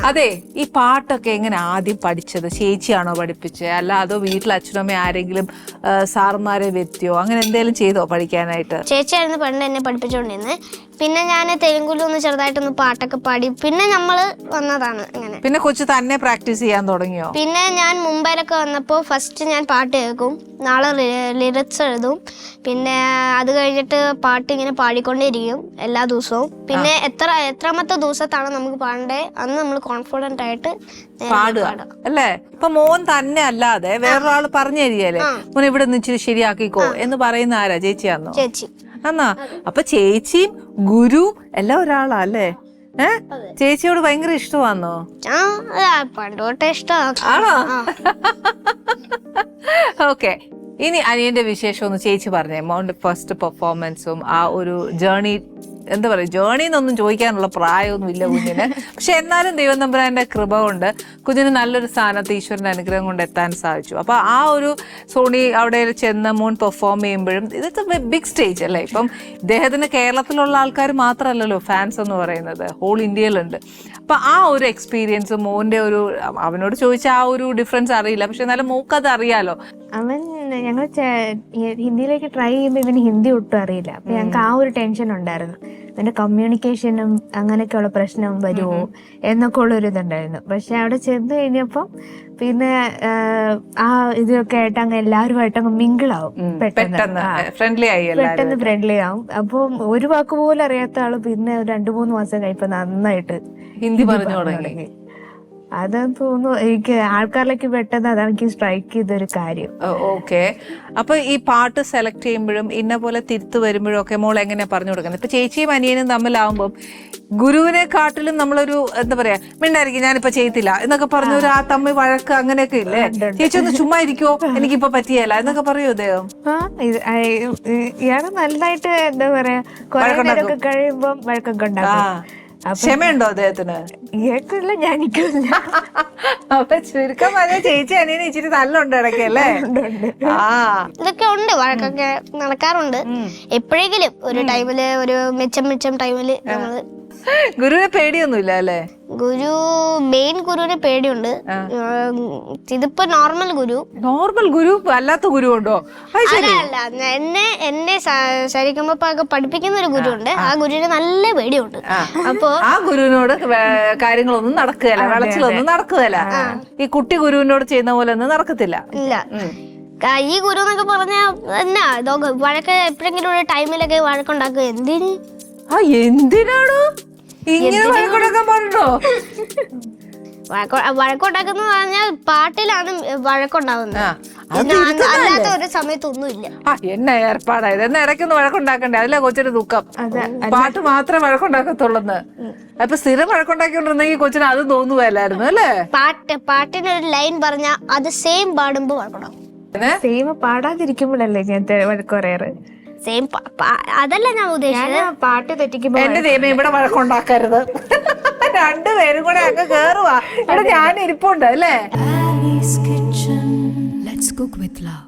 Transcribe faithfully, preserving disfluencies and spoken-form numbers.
അതെ, ഈ പാട്ടൊക്കെ എങ്ങനെ ആദ്യം പഠിച്ചത്? ചേച്ചിയാണോ പഠിപ്പിച്ചത്, അല്ല അതോ വീട്ടിൽ അച്ഛനമ്മ ആരെങ്കിലും സാറുമാരെ വ്യക്തിയോ അങ്ങനെ എന്തെങ്കിലും ചെയ്തോ പഠിക്കാനായിട്ട്? ചേച്ചിയായിരുന്നു പണ്ട് എന്നെ പഠിപ്പിച്ചുകൊണ്ടിരുന്നത്. പിന്നെ ഞാൻ തെലുങ്കുലൊന്ന് ചെറുതായിട്ടൊന്ന് പാട്ടൊക്കെ പാടി പിന്നെ നമ്മള് വന്നതാണ്. അങ്ങനെ പിന്നെ കൊച്ചു തന്നെ പ്രാക്ടീസ് ചെയ്യാൻ തുടങ്ങിയോ? പിന്നെ ഞാൻ മുംബൈയിലൊക്കെ വന്നപ്പോൾ ഫസ്റ്റ് ഞാൻ പാട്ട് കേൾക്കും, നാളെ ലിറിക്സ് എഴുതും. പിന്നെ അത് കഴിഞ്ഞിട്ട് പാട്ട് ഇങ്ങനെ പാടിക്കൊണ്ടേയിരിക്കും എല്ലാ ദിവസവും. പിന്നെ എത്ര എത്രാമത്തെ ദിവസത്താണ് നമുക്ക് പാടേണ്ടത് അന്ന് നമ്മൾ കോൺഫിഡന്റ് ആയിട്ട് പാടുക അല്ലേ? ഇപ്പൊ മോൻ തന്നെ അല്ലാതെ വേറൊരാൾ പറഞ്ഞു തരികയല്ലേ, മോൻ ഇവിടെ നിന്ന് ഇച്ചിരി ശരിയാക്കിക്കോ എന്ന് പറയുന്ന ആരാ? ചേച്ചിയാന്നോ? ചേച്ചി. എന്നാ അപ്പൊ ചേച്ചിയും ഗുരു എല്ലാം ഒരാളാ അല്ലേ? ഏഹ് ചേച്ചിയോട് ഭയങ്കര ഇഷ്ടമാണോ? പണ്ടോട്ടെ ഇഷ്ടമാണ്. ആണോ? ഓക്കെ, ഇനി അനിയന്റെ വിശേഷം ഒന്ന് ചേച്ചി പറഞ്ഞേ. മോന്റെ ഫസ്റ്റ് പെർഫോമൻസും ആ ഒരു ജേർണി, എന്താ പറയുക, ജേർണി എന്നൊന്നും ചോദിക്കാനുള്ള പ്രായമൊന്നും ഇല്ല കുഞ്ഞിന്. പക്ഷെ എന്നാലും ദൈവം തമ്പുരാന്റെ കൃപ കൊണ്ട് കുഞ്ഞിന് നല്ലൊരു സ്ഥാനത്ത് ഈശ്വരന്റെ അനുഗ്രഹം കൊണ്ട് എത്താൻ സാധിച്ചു. അപ്പൊ ആ ഒരു സോണി അവിടെ ചെന്ന് മോൻ പെർഫോം ചെയ്യുമ്പോഴും ഇതൊക്കെ ബിഗ് സ്റ്റേജ് അല്ലേ? ഇപ്പം ഇദ്ദേഹത്തിന് കേരളത്തിലുള്ള ആൾക്കാർ മാത്രമല്ലല്ലോ ഫാൻസ് എന്ന് പറയുന്നത്, ഹോൾ ഇന്ത്യയിലുണ്ട്. അപ്പൊ ആ ഒരു എക്സ്പീരിയൻസ് മോന്റെ ഒരു, അവനോട് ചോദിച്ചാൽ ആ ഒരു ഡിഫറൻസ് അറിയില്ല, പക്ഷെ എന്നാലും മോക്കത് അറിയാലോ. അവൻ ഞങ്ങൾ ഹിന്ദിയിലേക്ക് ട്രൈ ചെയ്യുമ്പോൾ ഇവന് ഹിന്ദി ഒട്ടും അറിയില്ല. അപ്പൊ ഞങ്ങൾക്ക് ആ ഒരു ടെൻഷൻ ഉണ്ടായിരുന്നു, ഇവന്റെ കമ്മ്യൂണിക്കേഷനും അങ്ങനെയൊക്കെയുള്ള പ്രശ്നം വരുമോ എന്നൊക്കെ ഉള്ളൊരു ഇതുണ്ടായിരുന്നു. പക്ഷെ അവിടെ ചെന്ന് കഴിഞ്ഞപ്പം പിന്നെ ആ ഇതൊക്കെ ആയിട്ട് അങ്ങ് എല്ലാവരുമായിട്ട് അങ്ങ് മിങ്കിളാവും, പെട്ടെന്ന് ഫ്രണ്ട്ലി ആയി പെട്ടെന്ന് ഫ്രണ്ട്ലി ആവും. അപ്പം ഒരു വാക്ക് പോലും അറിയാത്ത ആള് പിന്നെ രണ്ടു മൂന്ന് മാസം കഴിയുമ്പോൾ നന്നായിട്ട് ഹിന്ദി പറഞ്ഞു തുടങ്ങി. അതെന്ന് തോന്നുന്നു എനിക്ക് ആൾക്കാരിലേക്ക് പെട്ടെന്ന് അതാണ് എനിക്ക് സ്ട്രൈക്ക് ചെയ്തൊരു കാര്യം. ഓക്കെ, അപ്പൊ ഈ പാട്ട് സെലക്ട് ചെയ്യുമ്പോഴും ഇന്ന പോലെ തിരുത്തു വരുമ്പോഴും ഒക്കെ മോൾ എങ്ങനെയാ പറഞ്ഞു കൊടുക്കുന്നത്? ഇപ്പൊ ചേച്ചിയും അനിയനും തമ്മിലാവുമ്പം ഗുരുവിനെ കാട്ടിലും നമ്മളൊരു എന്താ പറയാ, മിണ്ടായിരിക്കും ഞാനിപ്പോ ചെയ്യത്തില്ല എന്നൊക്കെ പറഞ്ഞൊരു ആ തമ്മിൽ വഴക്ക് അങ്ങനെയൊക്കെ ഇല്ലേ? ചേച്ചി ഒന്ന് ചുമ്മാ ഇരിക്കോ, എനിക്കിപ്പോ പറ്റിയല്ല എന്നൊക്കെ പറയൂ അദ്ദേഹം. ആ ഇയാള് നല്ലതായിട്ട് എന്താ പറയാ, കുറെ നേരമൊക്കെ കഴിയുമ്പം വഴക്കൊക്കെ ഉണ്ടാക്കും. ക്ഷമയുണ്ടോ അദ്ദേഹത്തിന്? കേട്ടില്ല, ഞാനിക്കില്ല. അപ്പൊ ചുരുക്കം പറഞ്ഞ ചേച്ചി അനിയന് ഇച്ചിരി നല്ലുണ്ട് ഇടയ്ക്കല്ലേ? ആ ഇതൊക്കെ ഉണ്ട്, വഴക്കൊക്കെ നടക്കാറുണ്ട് എപ്പോഴെങ്കിലും ഒരു ടൈമില്, ഒരു മെച്ചം മെച്ചം ടൈമില്. നമ്മള് ഗുരുവിനെ പേടിയൊന്നുമില്ല അല്ലേ? ഗുരു മെയിൻ ഗുരുവിനെ പേടിയുണ്ട്. ഇതിപ്പോ നോർമൽ ഗുരു. നോർമൽ ഗുരു അല്ലാത്ത ഗുരു ഉണ്ടോ? അല്ല, എന്നെ എന്നെ ശരിക്കുമ്പോ പഠിപ്പിക്കുന്ന ഒരു ഗുരു ഉണ്ട്, ആ ഗുരുവിന് നല്ല പേടിയുണ്ട്. അപ്പൊ ആ ഗുരുവിനോട് കാര്യങ്ങളൊന്നും നടക്കുകയല്ല, വിളച്ചിലൊന്നും നടക്കുകയല്ല. ഈ കുട്ടി ഗുരുവിനോട് ചെയ്യുന്ന പോലെ ഒന്നും നടക്കത്തില്ല. ഇല്ല, ഈ ഗുരു എന്നൊക്കെ പറഞ്ഞാ എന്നാ ഇതൊക്കെ വഴക്ക് എപ്പോഴെങ്കിലും ഒരു ടൈമിലൊക്കെ വഴക്കുണ്ടാക്കുക. എന്തിന്? ആ എന്തിനാണോ ഇങ്ങനെ വഴക്കുണ്ടാക്കാൻ പറഞ്ഞോ? വഴക്കുണ്ടാക്കുന്ന പറഞ്ഞാൽ പാട്ടിലാണ് വഴക്കുണ്ടാവുന്നത്, അല്ലാത്ത ഒരു സമയത്തൊന്നുമില്ല. ആ എന്നെ ഏർപ്പാടായത്, എന്നാ ഇടയ്ക്കൊന്ന് വഴക്കുണ്ടാക്കണ്ടേ? അതിലെ കൊച്ചിന് ദുഃഖം, പാട്ട് മാത്രമേ വഴക്കുണ്ടാക്കത്തുള്ളന്ന്. അപ്പൊ സ്ഥിരം വഴക്കുണ്ടാക്കിക്കൊണ്ടിരുന്നെങ്കിൽ കൊച്ചിന് അത് തോന്നുവല്ലായിരുന്നു അല്ലേ? പാട്ട് പാട്ടിനൊരു ലൈൻ പറഞ്ഞാ അത് സെയിം പാടുമ്പോ വഴക്കുണ്ടാവും. സെയിം പാടാതിരിക്കുമ്പോഴല്ലേ ഞാൻ വഴക്ക് പറയാറ്. സെയിം അതല്ല ഞാൻ ഉദ്ദേശിച്ചത്, പാട്ട് തെറ്റിക്കുമ്പോ. എന്റെ ദൈവം ഇവിടെ വഴക്കുണ്ടാക്കരുത്, രണ്ടുപേരും കൂടെ അങ്ങ് കേറുവാ. ഇവിടെ ഞാൻ ഇരിപ്പുണ്ട് അല്ലേ? Ali's Kitchen. Let's cook with love.